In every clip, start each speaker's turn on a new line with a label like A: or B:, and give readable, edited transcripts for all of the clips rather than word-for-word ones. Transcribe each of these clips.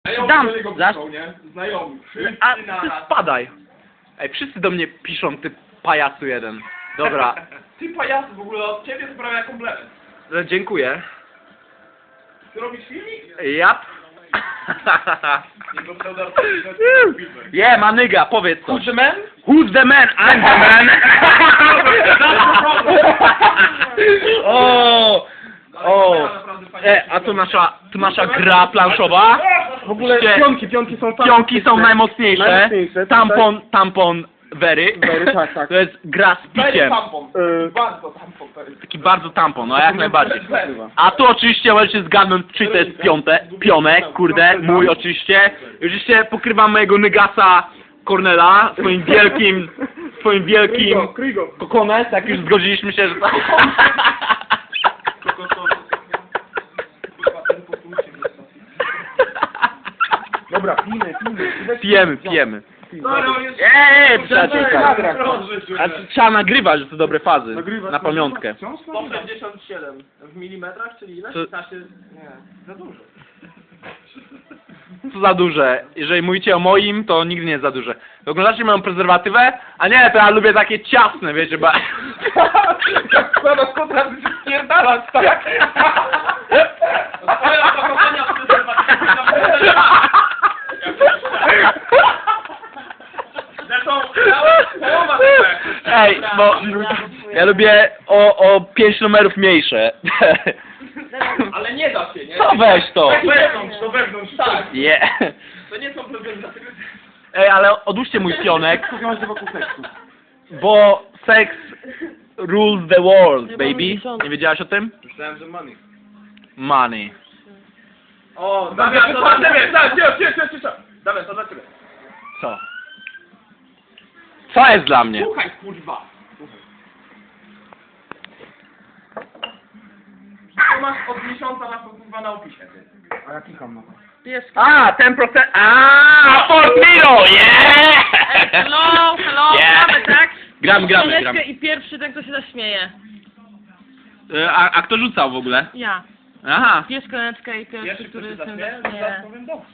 A: Dam, zaś.
B: Znajomi.
A: A ty spadaj. Ej, wszyscy do mnie piszą, ty pajacu jeden. Dobra,
B: Ty pajacu, w ogóle od ciebie sprawia komplement.
A: dziękuję.
B: Ty robisz filmik?
A: Jap.
B: Jego pseudo
A: Yeah, ma nigga, powiedz coś.
B: Who's the man?
A: Who's the man? I'm the man. O, o. A tu nasza gra planszowa.
C: W ogóle
A: Oczywiście pionki są najmocniejsze. Tampon very.
C: tak.
A: To jest gra z piciem.
B: Tampon. Bardzo tampon to jest.
A: Taki bardzo tampon, no jak najbardziej. A tu oczywiście możecie zgadnąć, czy to jest pionek, kurde, mój oczywiście. I oczywiście pokrywam mojego nygasa Cornela swoim wielkim kokones, jak już zgodziliśmy się, że to...
C: Dobra,
A: Pijemy.
B: No, jest...
A: Przyjaciółka. A trzeba nagrywać, że to dobre fazy. Na pamiątkę.
B: 167 w milimetrach, czyli ile?
A: Co-
B: 15... Nie, za dużo.
A: Co za duże. Jeżeli mówicie o moim, to nigdy nie jest za duże. Oglądacie moją prezerwatywę? A nie, to ja lubię takie ciasne, wiecie, bo...
B: Jak składasz kontrakt, się spierdalać, tak? Twoje opakowania w prezerwatywie. Zresztą, połowa tego jak to
A: Ej, bo ja lubię o 5 numerów mniejsze.
B: Ale nie da się, nie?
A: Co weź to?
B: Do wewnątrz, tak.
A: Yeah.
B: To nie są prezerwatywy.
A: Ej, ale odłóżcie mój pionek, bo sex rules the world, baby. Nie wiedziałaś o tym?
B: Myślałem, że money.
A: Money.
B: O, Damian, to dla ciebie! Cisza! Damian, to dla ciebie.
A: Co? Co jest dla mnie?
B: Słuchaj, kurwa! To masz od miesiąca na to, kurwa, na opisie, ty.
C: A ja klikam na to.
A: A, 10%. A, Fort Miro, yeah!
D: Hello,
A: Yeah.
D: gramy, tak?
A: Gramy.
D: Chwileczkę i pierwszy ten, kto się zaśmieje.
A: A kto rzucał w ogóle?
D: Ja.
A: Aha.
D: Bierz koneczkę i pierwszy,
B: Pierwszy, kto
D: który
B: się
D: się
B: zaśmieje,
D: zaśmieje.
B: zaraz powiem dobrze.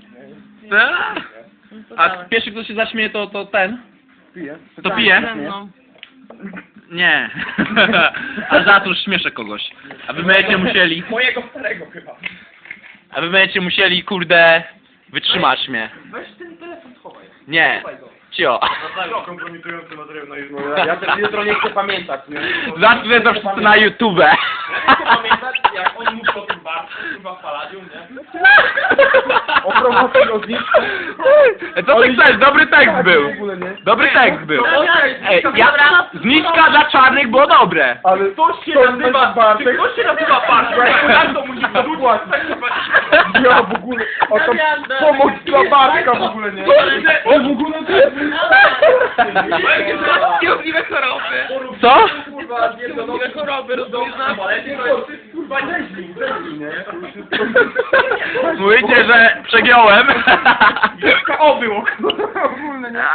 A: A pierwszy kto się zaśmieje to ten?
C: Piję.
A: To pije?
D: Ze mną.
A: Nie. A za to już śmieszę kogoś. A wy będziecie musieli,
B: Mojego starego chyba.
A: kurde, wytrzymać mnie.
B: Weź ten telefon, schowaj.
A: Nie.
B: Schowaj go.
A: Cio.
B: Kompromitujący materiał na YouTube.
C: Ja też jutro nie chcę pamiętać, nie?
A: Zacznę to wszyscy na YouTube.
B: Ja nie chcę pamiętać, jak oni mówią o tym barku, kurwa, w Palladium, nie?
C: O promocji o zniżce.
A: Co ty chcesz? Dobry tekst był.
C: W ogóle nie.
A: Dobry tekst był.
B: Okej,
A: Ej, zniżka dla czarnych było dobre.
C: Ale
B: Ktoś się
C: to
B: nazywa
C: Bartek.
B: Czy ktoś się nazywa Bartek? Jak to musi
C: Dokładnie. Ja w ogóle, o to pomoc dla Bartka w ogóle, nie? O w ogóle to jest...
B: Niemożliwe choroby.
A: Co?
B: Kurwa, niemożliwe choroby, rozumiesz? Kurwa, nieźli,
C: nie?
A: Mówicie, że przegiąłem.
B: Wielka obyło.
C: Ogólne, nie?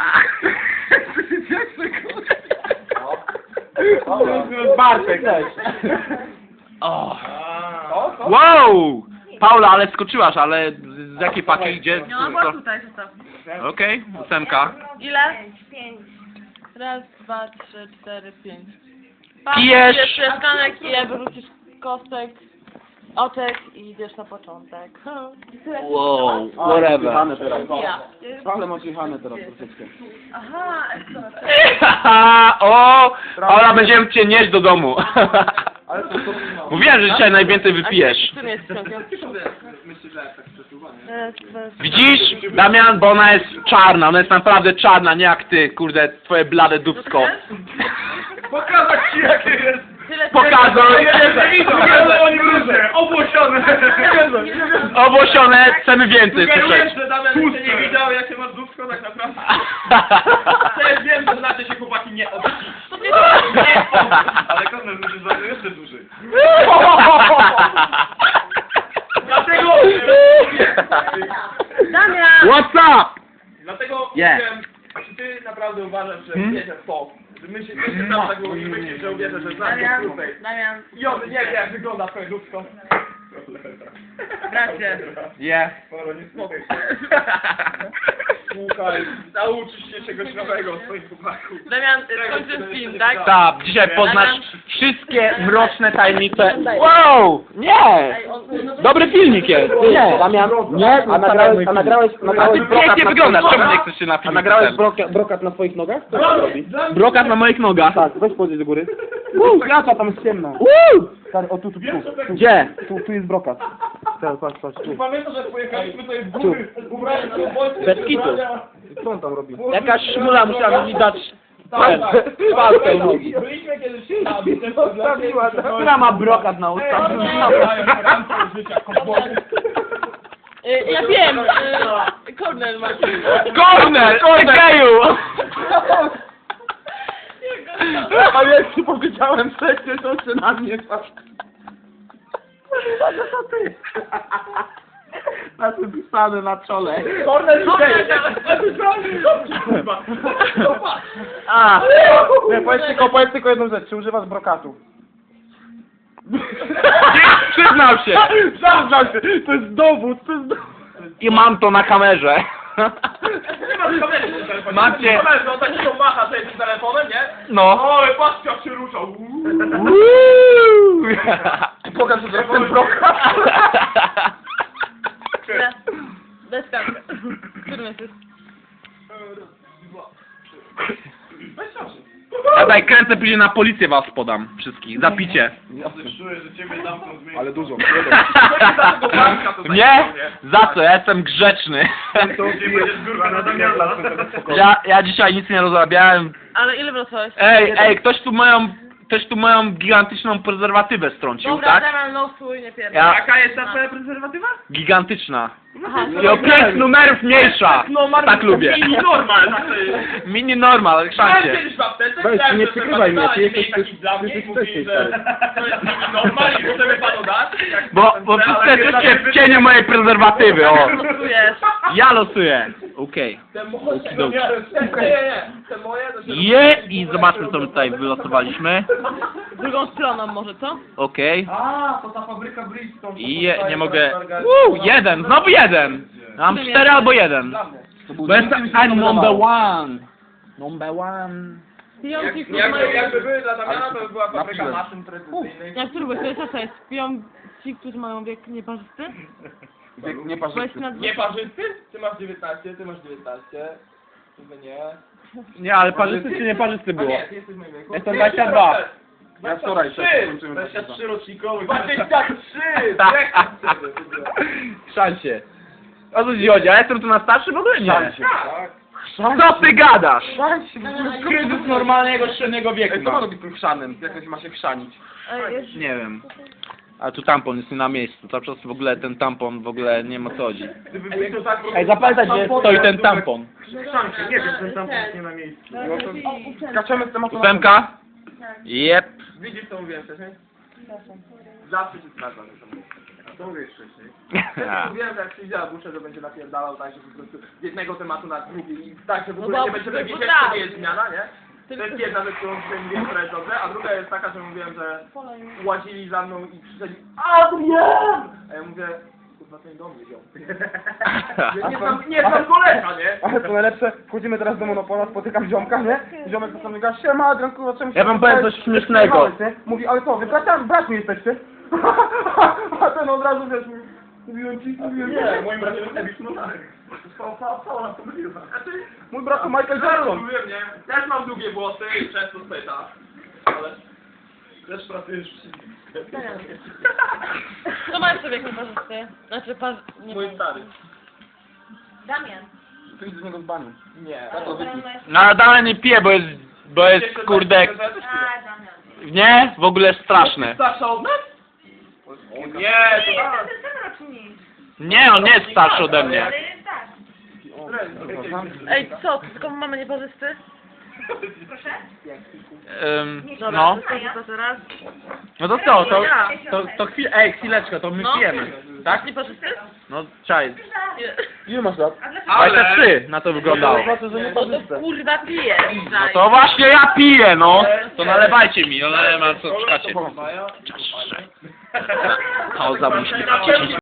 C: Bartek też.
A: O. Wow! Paula, ale skoczyłaś, ale z jakiej paki idzie?
D: No, bo tutaj zostaw.
A: Okej, 8.
D: Ile? 5. Raz, 2, 3, 4, 5.
A: Pijesz.
D: Jeszcze szklanek i wyrzucisz kostek, oczek i idziesz na początek.
A: Wow, whatever.
C: Jechane teraz.
D: Ja.
C: Ale masz jechane teraz troszeczkę.
D: Aha,
A: O! Paula, będziemy cię nieść do domu.
C: Ale to
A: Mówiłem, że dzisiaj najwięcej wypijesz.
D: Czym jest ciągiem?
B: Myślę, że tak przesuwa, nie?
D: Raz, 2, 3.
A: Widzisz, Damian, bo ona jest czarna, ona jest naprawdę czarna, nie jak ty, kurde, twoje blade dupsko.
B: Pokazać ci jakie jest!
A: Pokazuj!
B: Nie oni różne, obłosione!
A: Obłosione, chcemy więcej słyszeć.
B: Sugerujesz, że Damian jeszcze nie widział jakie masz dupsko tak naprawdę? Też wiem, że znacie się chłopaki nie od ale Konrad musisz zrobić jeszcze dłużej. Dlatego...
D: Damian!
A: What's up?
B: Dlatego
A: Yeah.
B: mówiłem, czy ty naprawdę uważasz, że wierzę w to? Że my się tam tak myślisz, że uwierzę, że znasz go krócej.
D: Damian.
B: I on nie wie jak wygląda twoje dupsko.
D: Bracie.
A: Je.
C: Poro, nie słuchaj. Słuchaj, nauczysz się czegoś nowego o swoim chłopaku.
D: Damian, skończysz film, tak?
A: Tak, dzisiaj poznasz wszystkie mroczne tajemnice. Wow! Nie! Dobry filmik jest.
E: Nie, Damian, nie, a nagrałeś,
A: A ty pięknie wyglądasz, czemu nie chcesz się na
E: A
A: film?
E: nagrałeś brokat na swoich nogach? Co to robi?
A: Brokat na moich nogach.
E: Tak, weź podejść do góry. Klacza, tam jest ciemno. Stary, o tu.
A: Gdzie?
E: Tu jest brokat. Teraz, patrz, tu.
C: Pamiętasz, jak pojechaliśmy sobie w góry, ubrali się w Polsce,
A: Bez kitu.
E: Co on tam robi?
A: Jakaś szmula musiała mi dać
E: Palkę nogi.
C: Byliśmy kiedyś tam,
E: Zostawiła,
A: Która ma brokat na ustach?
D: Ja wiem, Kornel ma.
A: Kornel! Geju!
E: A jak ci powiedziałem wcześniej, to się na mnie patrz. Na tym pisane na czole.
C: Kornel
A: A!
E: Nie, powiedz tylko jedną rzecz. Czy używasz brokatu?
A: Przyznał się!
E: Przyznam się, to jest dowód,
A: I mam to na kamerze. Macie-
B: Koleżą takiego macha sobie tym telefonem, nie?
A: No.
B: Oj, patrzcie jak się ruszał.
E: Pokaż, że ten brokat.
D: Bez kamery. Którym jesteś?
A: Ja tutaj kręcę, później na policję was podam wszystkich. Zapicie.
C: Czuję, że ciebie zamkną z
E: Ale dużo.
A: Nie? Za co? Ja jestem grzeczny.
C: będziesz górka na Damiana.
A: Ja dzisiaj nic nie rozrabiałem.
D: Ale ile wracałeś?
A: Ej, ktoś tu moją gigantyczną prezerwatywę strącił,
D: Dobra,
A: tak?
D: Damian, losuj, nie pierdol.
A: Ja,
B: Jaka jest ta twoja prezerwatywa?
A: gigantyczna.
D: Aha,
A: I o 5 numerów mniejsza. Tak lubię.
B: Mini normal, tak to jest.
A: Mini normal,
B: Byłem
A: szancie.
B: kiedyś w aptece,
E: Weź,
B: chciałem
E: nie
B: sobie
E: przykrywaj mnie, ty
B: prezerwatywa,
E: jesteś-
B: ale taki dla mnie
E: jesteś
B: i mówi,
E: wcześniej,
B: że to jest mini normal i możemy panu dać. jak
A: Bo
B: pan chce,
A: wszyscy
B: ale
A: jesteście w cieniu mojej prezerwatywy, o.
D: losujesz.
A: Ja losuję. Okej.
B: Te moje, no nie, te moje, to się...
A: I zobaczmy, co my tutaj wylosowaliśmy.
D: Drugą stroną może, co?
A: Okej.
C: A, to ta fabryka Bridgestone.
A: Nie mogę. Jeden, znowu jeden. Mam 4 albo 1. Bo jestem I'm number one. Number one.
D: Pijący, którzy mają...
B: Jakby były dla Damiana, to by była fabryka
E: Napiłem.
B: maszyn precyzyjnych.
D: Jak który byłeś? To jest piją ci, którzy mają wiek nieparzysty?
E: Nie patrz.
D: Byłeś na
B: Nieparzysty? Ty masz 19, ty masz 19. Ty nie.
A: Nie, ale parzysty czy nie parzysty
B: A
A: było?
B: nie, ty jesteś w moim wieku.
A: Jestem 22.
E: Ja wczoraj
B: 23!
C: 23 rocznikowy.
B: 23!
A: Szancie. O co ci chodzi? A jestem tu na starszy w ogóle nie.
C: Tak.
A: Co ty gadasz?
E: Kryzys
A: normalnego średniego wieku.
E: Ej, co ma robić z tym chrzanem? Jak ma się chrzanić?
A: Nie wiem. A tu tampon jest nie na miejscu. Cały czas w ogóle ten tampon w ogóle nie ma co chodzi.
C: Gdyby był jego tak...
A: Ej, zapamiętaj, gdzie stoi ten tampon.
C: Szancie, nie wiem, ten tampon jest nie na miejscu.
E: No to skaczemy z tematu.
A: 8? Jep.
B: Widzisz co mówiłem wcześniej? Zawsze się sprawdza, że to mówię.
C: Co mówisz wcześniej?
B: Mówiłem, że jak przyjdzie Abusze, to będzie napierdalał tak, że po prostu z jednego tematu na drugi i tak, że w
D: No
B: ogóle
D: bo-
B: nie będzie
D: bo
B: wiedzieć,
D: tak.
B: że nie jest zmiana, nie? To jest jedna rzecz, którą dzisiaj mówiłem, która jest dobrze, a druga jest taka, że mówiłem, że łazili za mną i krzyczeli Adrian! A ja mówię, kurwa, ten dom nie wziął. Nie znam koleża, nie?
E: Ale to najlepsze, wchodzimy teraz do Monopola, spotykam ziomka, nie? Ziomek to sam mówi, siema Adrian, kurwa, czemu się...
A: Ja wam powiem coś śmiesznego.
E: przyjechałeś, nie? Mówi, ale co, wy braćmi jesteście? A ten od razu, wiesz, mówi, mówiłem ci.
C: Nie, moim bratem jest Ebi Snotarek. Cała nas pomyliła.
E: Mój brat to Michael
B: Ja
E: Jackson.
B: mówiłem, nie? Też mam długie włosy i często spyta. Ale
C: Też pracujesz w
D: Kto ma jeszcze wiek nieparzysty? Znaczy, nie
B: mój stary.
D: Damian.
E: Ty idź z niego z bani.
B: Nie.
E: Ja to wypij.
A: No ale dalej nie piję, bo jest kurde... Nie? W ogóle straszne.
B: Starsza od nas? O nie, to tak.
A: Nie, on nie jest starszy ode mnie.
D: Ej, co? Ty tylko mamy nieparzysty? Dobra,
A: No.
D: to teraz.
A: No to co? To chwilę, chwileczkę, to my
D: No.
A: pijemy. Tak?
D: Nie patrzysz?
A: No, czaj.
E: Ile masz lat?
A: 23 na to wyglądało.
E: Znaczy, że nie
D: No to
E: parzyste.
D: kurwa pijesz.
A: No to właśnie ja piję, no. To nalewajcie mi, no nalewam co czekacie.
E: Pomogę.
A: Pauza musi być 10